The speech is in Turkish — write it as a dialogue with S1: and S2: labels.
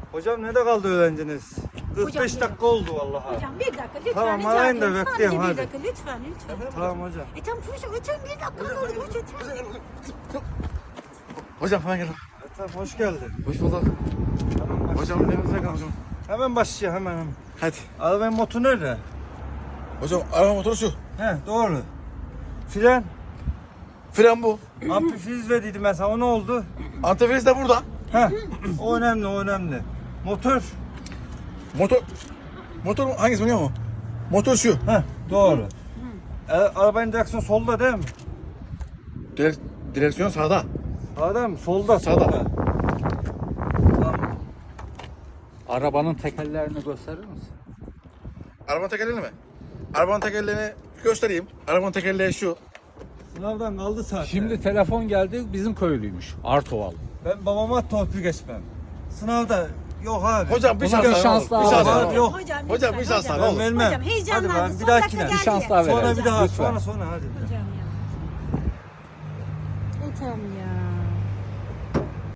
S1: Hocam nerede kaldı öğrenciniz? 45
S2: Hocam,
S1: dakika oldu vallahi.
S2: Hocam bir dakika lütfen
S1: Tamam,
S2: rica
S1: arayın da
S2: ediyorum.
S1: bekleyeyim,
S2: Sadece bir
S1: hadi.
S2: dakika lütfen.
S1: Tamam hocam.
S2: Tamam hocam bir dakika olur hocam.
S3: Hocam hemen gel.
S1: Tamam hoş geldin.
S3: Hoş bulduk.
S1: Hemen
S3: Hocam elinize kalın hocam.
S1: Hemen başlıyor hemen.
S3: Hadi.
S1: Arabanın motoru nerede?
S3: Hocam araba motoru şu.
S1: He doğru. Fren.
S3: Fren bu.
S1: Amfifiz verdiydim ben sana, o ne oldu?
S3: Antifriz de burada.
S1: He o önemli. Motor.
S3: Motor hangisi biliyor musun? Motor şu.
S1: He doğru. Arabanın direksiyonu solda değil mi?
S3: Direksiyon sağda.
S1: Sağda mı? Solda.
S3: Sağda.
S1: Tamam.
S4: Arabanın tekerlerini gösterir misin?
S3: Arabanın tekerleğini mi? Arabanın tekerleğini göstereyim. Arabanın tekerleği şu.
S1: Sınavdan kaldı zaten.
S4: Şimdi telefon geldi, bizim köylüymüş. Artoval.
S1: Ben babama torpil geçmem. Sınavda yok abi.
S3: Hocam bir
S4: Buna
S3: şans
S4: bir
S3: daha.
S4: şans daha
S3: Bir şans
S4: var.
S3: daha.
S1: Yok.
S3: Hocam bir şans daha.
S1: Ben
S3: Olur.
S1: vermem.
S2: Hocam heyecanlandı.
S1: Hadi ben bir
S2: Son
S1: dahakine.
S2: dakika
S4: Bir şans daha
S2: geldi.
S4: verelim.
S1: Sonra bir daha
S4: Lütfen.
S1: sonra hadi.
S2: Hocam ya. Tamam ya.